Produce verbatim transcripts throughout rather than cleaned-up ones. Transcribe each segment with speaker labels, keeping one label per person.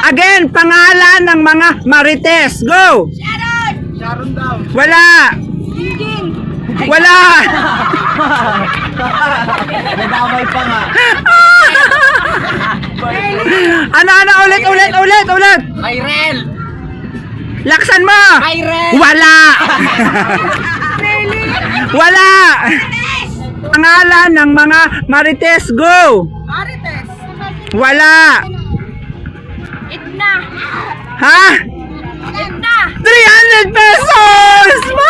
Speaker 1: Again, pangalan ng mga Marites. Go!
Speaker 2: Sharon!
Speaker 3: Sharon daw.
Speaker 1: Wala!
Speaker 2: Eugene!
Speaker 1: Wala!
Speaker 3: Nadamay pa nga.
Speaker 1: Ano, ano, ulit, ulit, ulit, ulit!
Speaker 3: Kyrel!
Speaker 1: Laksan mo!
Speaker 3: Kyrel!
Speaker 1: Wala! Wala! Pangalan ng mga Marites. Go!
Speaker 2: Marites!
Speaker 1: Wala!
Speaker 2: Edna!
Speaker 1: Ha?
Speaker 2: Edna!
Speaker 1: three hundred pesos!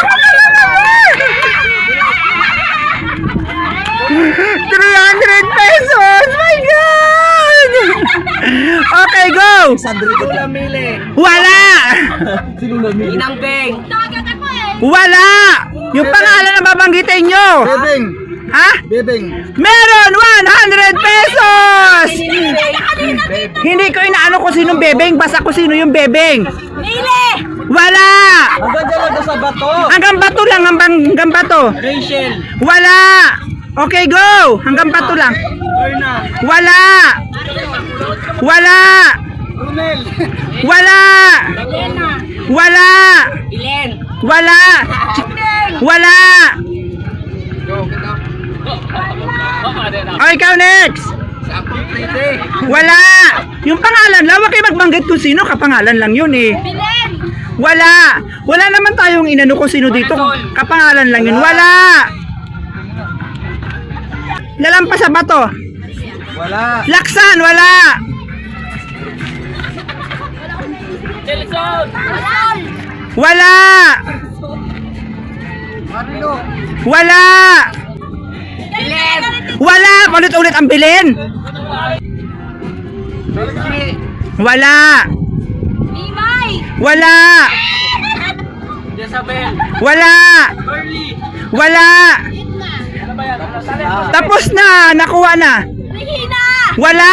Speaker 1: three hundred pesos! My God! Okay, go!
Speaker 3: Sandrito Lamile.
Speaker 1: Wala!
Speaker 3: Sino Lamile? Inang Beng.
Speaker 2: Tagat ako eh!
Speaker 1: Wala! Yung pangalan na babanggitin nyo!
Speaker 3: Bebeng.
Speaker 1: Ha?
Speaker 3: Bebeng.
Speaker 1: Meron! one hundred pesos! Hindi ko inaano kung sinong bebeng, basta kung sino yung bebeng.
Speaker 2: Mili!
Speaker 1: Wala!
Speaker 3: Hanggang dyan lang sa bato.
Speaker 1: Hanggang bato lang, hanggang, hanggang bato.
Speaker 3: Rachel.
Speaker 1: Wala! Okay, go! Hanggang bato lang.
Speaker 3: Erna.
Speaker 1: Wala! Wala!
Speaker 3: Runel.
Speaker 1: Wala!
Speaker 2: Elena!
Speaker 1: Wala!
Speaker 2: Ilen!
Speaker 1: Wala! Wala! O, ikaw next! Wala! Yung pangalan lang, huwag kayo magbanggit kung sino, kapangalan lang yun eh.
Speaker 2: Bilen!
Speaker 1: Wala! Wala naman tayong inano kung sino dito, kapangalan lang yun. Wala! Lalampas sa bato.
Speaker 3: Wala.
Speaker 1: Laksan, wala!
Speaker 2: Malal!
Speaker 1: Wala!
Speaker 3: Marino.
Speaker 1: Wala!
Speaker 2: Bilen!
Speaker 1: Wala! Ulit-ulit ang bilin!
Speaker 3: Belgi.
Speaker 1: Wala!
Speaker 2: Mimay!
Speaker 1: Wala!
Speaker 3: Jezabel.
Speaker 1: Wala!
Speaker 3: Burley.
Speaker 1: Wala! Tapos na! Nakuha na!
Speaker 2: Regina!
Speaker 1: Wala!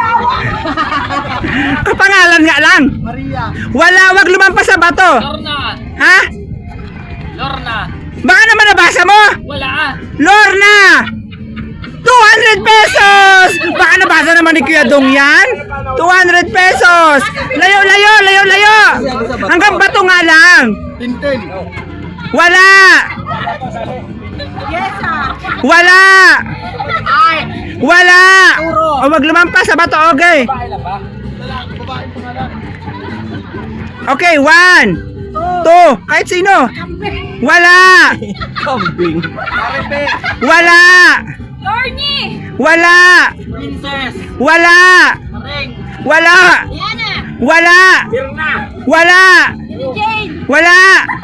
Speaker 1: Kapangalan nga lang!
Speaker 3: Maria.
Speaker 1: Wala! Wag lumampas sa bato!
Speaker 3: Lorna.
Speaker 1: Ha?
Speaker 3: Lorna.
Speaker 1: Baka naman nabasa mo!
Speaker 3: Wala.
Speaker 1: Lorna! two hundred pesos! Baka nabasa naman ni Kuya Dong yan? two hundred pesos! Layo, layo, layo, layo! Hanggang bato nga lang!
Speaker 3: Tintin.
Speaker 1: Wala!
Speaker 2: Yesa!
Speaker 1: Wala!
Speaker 2: Ay!
Speaker 1: Wala! O wag lumampas sa bato, okay? Okay, one, two, kahit sino. Wala!
Speaker 3: Kambing. Aripe.
Speaker 1: Wala!
Speaker 2: Lorny!
Speaker 1: Wala!
Speaker 3: Princess.
Speaker 1: Wala!
Speaker 3: Maring.
Speaker 1: Wala!
Speaker 2: Diana!
Speaker 1: Wala!
Speaker 3: Birna.
Speaker 1: Wala!
Speaker 2: Jane!
Speaker 1: Wala!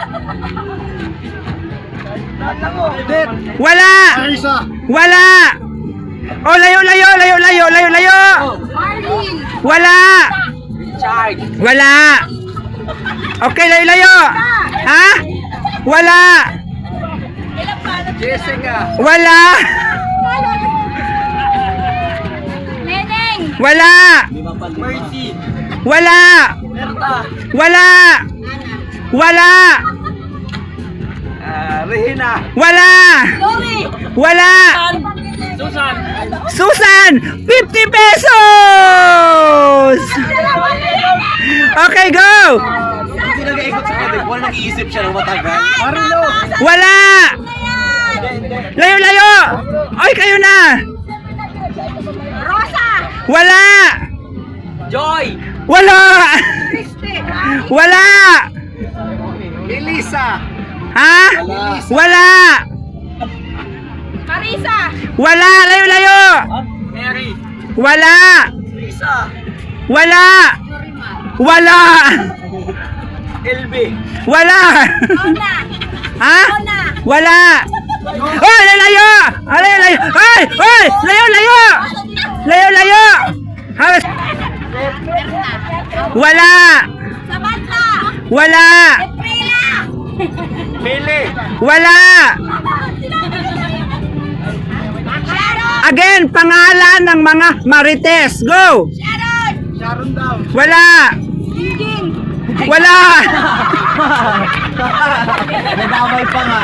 Speaker 3: Det.
Speaker 1: Wala!
Speaker 3: Marisa.
Speaker 1: Wala! O layo, layo, layo, layo, layo, layo!
Speaker 2: Marlene!
Speaker 1: Wala!
Speaker 3: Richard.
Speaker 1: Wala! Okay, layo, layo! Ha? Wala!
Speaker 3: Jessica.
Speaker 1: Wala!
Speaker 2: Neneng!
Speaker 1: Wala!
Speaker 3: Mercy.
Speaker 1: Wala!
Speaker 3: Berta.
Speaker 1: Wala! Wala!
Speaker 3: Ah, Regina.
Speaker 1: Wala!
Speaker 2: Chloe!
Speaker 1: Wala!
Speaker 3: Susan.
Speaker 1: Susan! fifty pesos! Okay, go!
Speaker 3: Hindi nag-iikot sa kanya. Wala nag-iisip siya ng matagal. Marino.
Speaker 1: Wala! Layo, layo! Oy, kayo na!
Speaker 2: Rosa!
Speaker 1: Wala!
Speaker 3: Joy.
Speaker 1: Wala!
Speaker 2: Christy!
Speaker 1: Wala!
Speaker 3: Elisa.
Speaker 1: Ha? Wala!
Speaker 2: Marisa!
Speaker 1: Wala! Layo, layo!
Speaker 3: Mary.
Speaker 1: Wala!
Speaker 3: Lisa.
Speaker 1: Wala! Wala!
Speaker 3: Elbe.
Speaker 1: Wala!
Speaker 2: Ona!
Speaker 1: Ha?
Speaker 2: Ona!
Speaker 1: Wala! Oy, layo, layo! Ay, layo, layo! Ay! Oy! Layo, layo! Layo, layo! Halos! Wala!
Speaker 2: Samantha!
Speaker 1: Wala!
Speaker 2: Prila!
Speaker 3: Pele.
Speaker 1: Wala!
Speaker 2: Sharon!
Speaker 1: Again, pangalan ng mga Marites. Go!
Speaker 2: Sharon!
Speaker 3: Sharon daw.
Speaker 1: Wala!
Speaker 2: Eugene!
Speaker 1: Wala!
Speaker 3: Nadamay pa nga.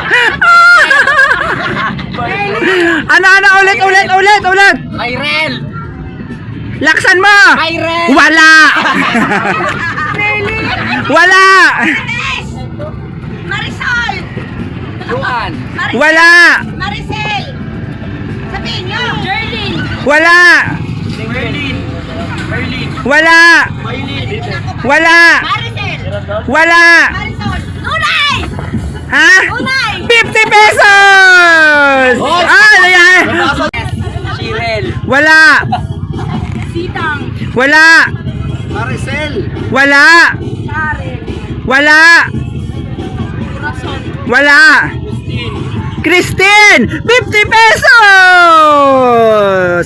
Speaker 1: Ano, ano, ulit, ulit, ulit, ulit!
Speaker 3: Kyrel.
Speaker 1: Laksan mo!
Speaker 3: Kyrel.
Speaker 1: Wala!
Speaker 2: Nelly.
Speaker 1: Wala.
Speaker 2: Ines. Marisol.
Speaker 3: Luan.
Speaker 2: Marisol.
Speaker 1: Wala.
Speaker 2: Maricel. Sabihin nyo. Jerlyn.
Speaker 1: Wala.
Speaker 3: Merlin. Merlin.
Speaker 1: Wala.
Speaker 3: Maylin.
Speaker 1: Wala.
Speaker 2: Maricel.
Speaker 1: Wala.
Speaker 2: Marisol. Tunay.
Speaker 1: Ha?
Speaker 2: Tunay.
Speaker 1: fifty pesos! Ah, ano yan?
Speaker 3: Shirel.
Speaker 1: Wala.
Speaker 2: Sitang.
Speaker 1: Wala.
Speaker 3: Maricel.
Speaker 1: Wala.
Speaker 2: Karen.
Speaker 1: Wala.
Speaker 2: Corazon.
Speaker 1: Wala.
Speaker 3: Christine.
Speaker 1: Christine! fifty pesos!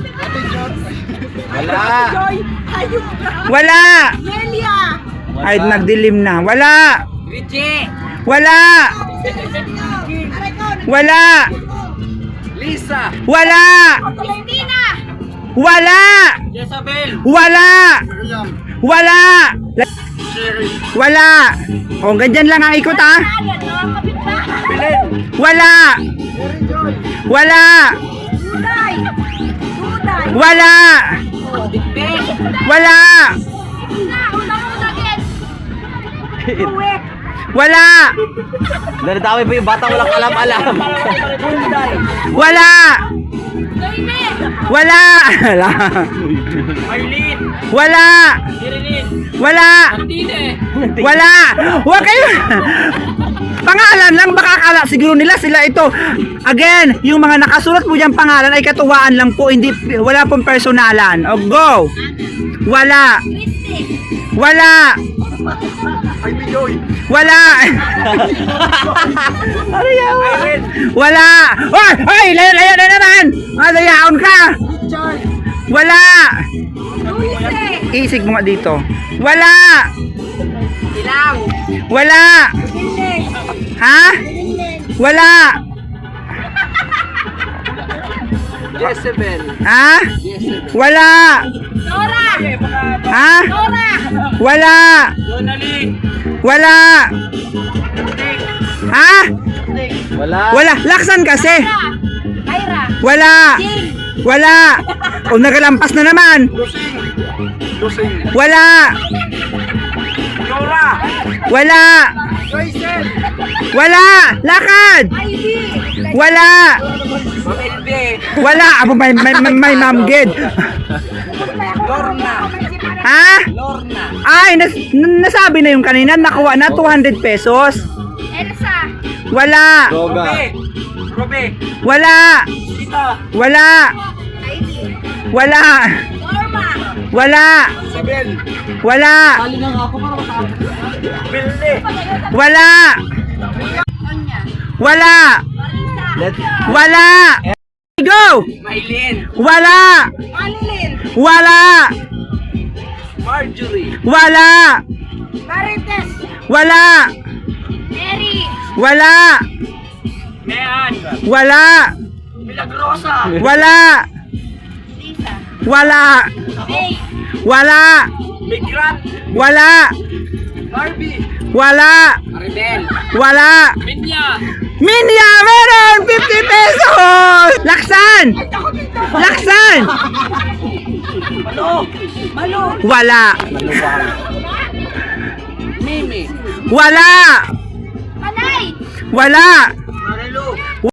Speaker 3: Wala.
Speaker 2: Joy. Hayop ka.
Speaker 1: Wala.
Speaker 2: Nelia.
Speaker 1: Ay, nagdilim na. Wala.
Speaker 3: Richie.
Speaker 1: Wala.
Speaker 2: Aray ko.
Speaker 1: Wala.
Speaker 3: Lisa.
Speaker 1: Wala.
Speaker 2: Christina.
Speaker 1: Wala.
Speaker 3: Jezabel.
Speaker 1: Wala. Wala.
Speaker 3: Sherry.
Speaker 1: Wala. O, ganyan lang ang ikot, ha?
Speaker 2: Agad, no? Kapitbahay.
Speaker 3: Belen.
Speaker 1: Wala. Wala.
Speaker 2: Tunay. Tunay.
Speaker 1: Wala.
Speaker 3: Dikdik.
Speaker 1: Wala.
Speaker 2: Una, unang-una again. Uwe.
Speaker 1: Wala.
Speaker 3: Nadadami pa yung batang walang alam-alam. Hyundai.
Speaker 1: Wala.
Speaker 2: Noime.
Speaker 1: Wala. Wala.
Speaker 3: Marlene.
Speaker 1: Wala.
Speaker 3: Irilin.
Speaker 1: Wala.
Speaker 3: Tine.
Speaker 1: Wala. Huwag kayo. Pangalan lang, baka akala siguro nila sila ito. Again, yung mga nakasulat po diyang pangalan ay katuwaan lang po, hindi, wala pong personalan. O, go. Wala.
Speaker 2: Christy.
Speaker 1: Wala.
Speaker 3: Ay, Bijoy.
Speaker 1: Wala.
Speaker 3: Irene.
Speaker 1: Wala. Hoy, hoy, layo, layo na naman. Madayaon ka.
Speaker 3: Richard.
Speaker 1: Wala.
Speaker 2: Luise.
Speaker 1: Isig mo nga dito. Wala.
Speaker 2: Silang.
Speaker 1: Wala.
Speaker 2: Biling.
Speaker 1: Ha? Wala.
Speaker 3: Jezebel.
Speaker 1: Ha?
Speaker 3: Jezebel.
Speaker 1: Wala.
Speaker 2: Nora.
Speaker 1: Ha?
Speaker 2: Nora.
Speaker 1: Wala.
Speaker 3: Donalyn.
Speaker 1: Wala. Ha?
Speaker 3: Wala.
Speaker 1: Wala. Laksan kasi.
Speaker 2: Kyra.
Speaker 1: Wala.
Speaker 2: Jing.
Speaker 1: Wala. O, nagalampas na naman.
Speaker 3: Lusing. Lusing.
Speaker 1: Wala.
Speaker 3: Nora.
Speaker 1: Wala.
Speaker 3: Joycel.
Speaker 1: Wala. Lakad.
Speaker 2: Ivy.
Speaker 1: Wala.
Speaker 3: Mamelbe.
Speaker 1: Wala. Abo, may, may, may, may mamgid.
Speaker 3: Lorna.
Speaker 1: Ha?
Speaker 3: Lorna.
Speaker 1: Ay, nas, n- nasabi na yung kanina. Nakuha na two hundred pesos.
Speaker 2: Elsa.
Speaker 1: Wala.
Speaker 3: Robe. Robe.
Speaker 1: Wala.
Speaker 3: Tita.
Speaker 1: Wala.
Speaker 2: Ivy.
Speaker 1: Wala.
Speaker 2: Norma.
Speaker 1: Wala.
Speaker 3: Isabel.
Speaker 1: Wala.
Speaker 3: Tali lang ako para matapos. Bilde.
Speaker 1: Wala.
Speaker 2: Sonia.
Speaker 1: Wala.
Speaker 2: Marisa.
Speaker 3: Let's
Speaker 1: Wala. Go.
Speaker 3: Maylin.
Speaker 1: Wala.
Speaker 2: Manilin.
Speaker 1: Wala.
Speaker 3: Marjorie.
Speaker 1: Wala.
Speaker 2: Marites.
Speaker 1: Wala.
Speaker 2: Mary.
Speaker 1: Wala.
Speaker 3: Mean.
Speaker 1: Wala.
Speaker 3: Milagrosa.
Speaker 1: Wala.
Speaker 2: Lisa.
Speaker 1: Wala.
Speaker 2: May.
Speaker 1: Wala.
Speaker 3: Migrat.
Speaker 1: Wala.
Speaker 3: Barbie.
Speaker 1: Wala.
Speaker 3: Aridel.
Speaker 1: Wala.
Speaker 3: Minya.
Speaker 1: Minya, meron! fifty pesos! Laksan! Laksan!
Speaker 3: Malo.
Speaker 2: Malo.
Speaker 1: Wala.
Speaker 3: Mimi.
Speaker 1: Wala.
Speaker 2: Panay.
Speaker 1: Wala.
Speaker 3: Marilu.